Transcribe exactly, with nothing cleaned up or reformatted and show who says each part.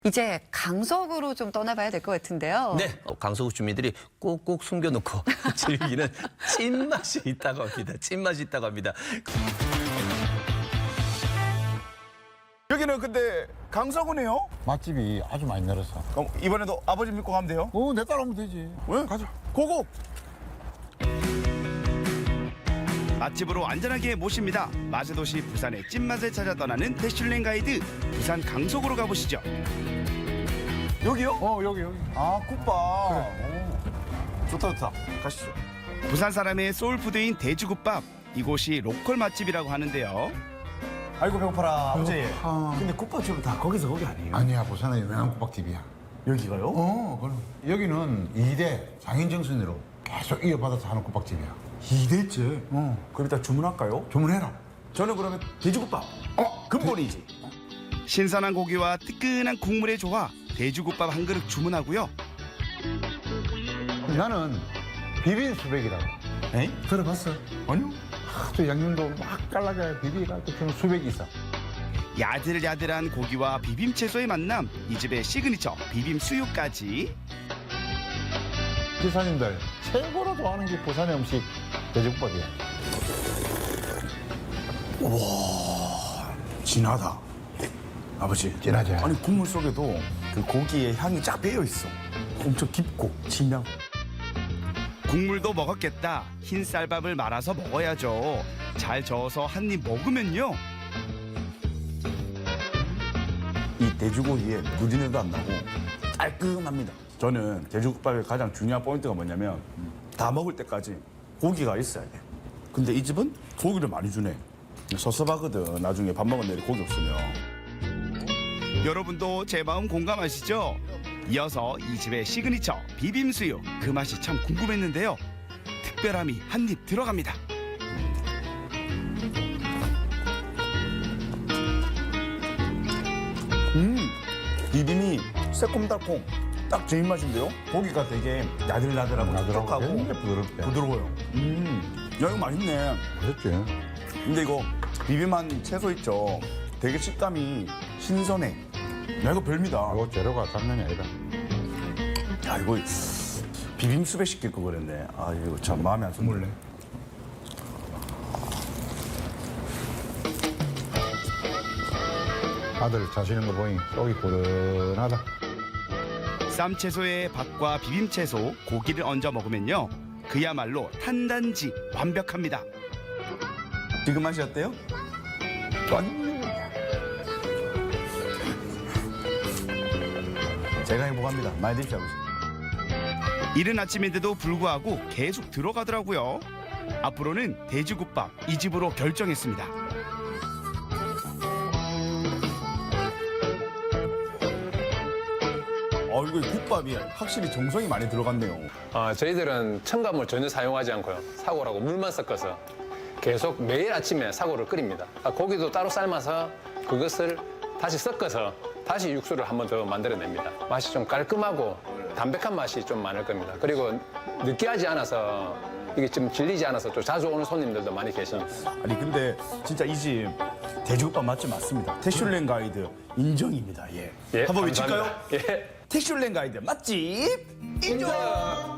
Speaker 1: 이제 강석으로 좀 떠나봐야 될 것 같은데요.
Speaker 2: 네, 어, 강서구 주민들이 꼭꼭 숨겨놓고 즐기는 찐맛이 있다고 합니다. 찐맛이 있다고 합니다.
Speaker 3: 여기는 근데 강서구네요?
Speaker 4: 맛집이 아주 많이 늘었어.
Speaker 3: 그럼 이번에도 아버지 믿고 가면 돼요?
Speaker 4: 어, 내 따라오면 되지.
Speaker 3: 왜?
Speaker 4: 가자.
Speaker 3: 고고!
Speaker 5: 맛집으로 안전하게 모십니다. 맛의 도시 부산의 찐맛을 찾아 떠나는 대슐랭 가이드 부산 강석으로 가보시죠.
Speaker 3: 여기요?
Speaker 4: 어, 여기, 여기.
Speaker 3: 아, 국밥. 오. 좋다, 좋다. 가시죠.
Speaker 5: 부산 사람의 소울푸드인 돼지국밥. 이곳이 로컬 맛집이라고 하는데요.
Speaker 3: 아이고, 배고파라. 아버지.
Speaker 4: 배고파.
Speaker 3: 근데 국밥집은 다 거기서 거기 아니에요?
Speaker 4: 아니야, 부산의 유명한 국밥집이야.
Speaker 3: 여기가요?
Speaker 4: 어, 그럼. 여기는 이 대 장인정신으로 계속 이어받아서 하는 국밥집이야.
Speaker 3: 이 대째?
Speaker 4: 어,
Speaker 3: 그럼 일단 주문할까요?
Speaker 4: 주문해라.
Speaker 3: 저는 그러면 돼지국밥. 어, 근본이지.
Speaker 5: 신선한 고기와 뜨끈한 국물의 조화. 돼지국밥 한 그릇 주문하고요.
Speaker 4: 나는 비빔 수백이라고.
Speaker 3: 에이?
Speaker 4: 들어봤어?
Speaker 3: 아니요.
Speaker 4: 아주 양념도 막 잘라져 비비가지고 주는 수백이 있어.
Speaker 5: 야들야들한 고기와 비빔 채소의 만남. 이 집의 시그니처 비빔 수육까지.
Speaker 4: 기사님들 최고로 좋아하는 게 부산의 음식 돼지국밥이야.
Speaker 3: 진하다. 아버지.
Speaker 4: 진하지?
Speaker 3: 아니, 국물 속에도 그 고기의 향이 쫙 배어 있어. 엄청 깊고 진하고.
Speaker 5: 국물도 먹었겠다. 흰 쌀밥을 말아서 먹어야죠. 잘 저어서 한 입 먹으면요.
Speaker 3: 이 돼지고기에 누린내도 안 나고 깔끔합니다. 저는 돼지국밥의 가장 중요한 포인트가 뭐냐면 다 먹을 때까지 고기가 있어야 돼. 근데 이 집은 고기를 많이 주네. 섭섭하거든. 나중에 밥 먹은 내일 고기 없으면.
Speaker 5: 여러분도 제 마음 공감하시죠? 이어서 이 집의 시그니처 비빔수육. 그 맛이 참 궁금했는데요. 특별함이 한 입 들어갑니다.
Speaker 3: 음, 비빔이 새콤달콤 딱 제 입맛인데요. 고기가 되게 야들야들하고 촉촉하고
Speaker 4: 굉장히 부드럽게.
Speaker 3: 부드러워요. 음, 야 이거 맛있네.
Speaker 4: 그렇지.
Speaker 3: 근데 이거 비빔한 채소 있죠. 되게 식감이 신선해. 야 이거 별미다.
Speaker 4: 이거 재료가 장난이 아니다.
Speaker 3: 야 이거 비빔수배 시킬 거 그랬네. 아 이거 참 마음에 안 드네.
Speaker 4: 아들 자시는 거 보니 속이 고른하다.
Speaker 5: 쌈채소에 밥과 비빔채소, 고기를 얹어 먹으면요. 그야말로 탄단지 완벽합니다.
Speaker 3: 지금 맛이 어때요? 제가 행복합니다. 많이 드십시오 아버지.
Speaker 5: 이른 아침인데도 불구하고 계속 들어가더라고요. 앞으로는 돼지국밥 이 집으로 결정했습니다.
Speaker 3: 어 이거 국밥이 확실히 정성이 많이 들어갔네요.
Speaker 6: 어, 저희들은 첨가물 전혀 사용하지 않고요. 사골하고 물만 섞어서 계속 매일 아침에 사골을 끓입니다. 아, 고기도 따로 삶아서 그것을 다시 섞어서 다시 육수를 한 번 더 만들어냅니다. 맛이 좀 깔끔하고 담백한 맛이 좀 많을 겁니다. 그리고 느끼하지 않아서 이게 좀 질리지 않아서 또 자주 오는 손님들도 많이 계십니다.
Speaker 3: 아니 근데 진짜 이 집 돼지국밥 맛집 맞습니다. 태슐랭 가이드 인정입니다. 예.
Speaker 6: 예,
Speaker 3: 한번 외칠까요?
Speaker 6: 감사합니다. 예.
Speaker 3: 태슐랭 가이드 맛집 인정.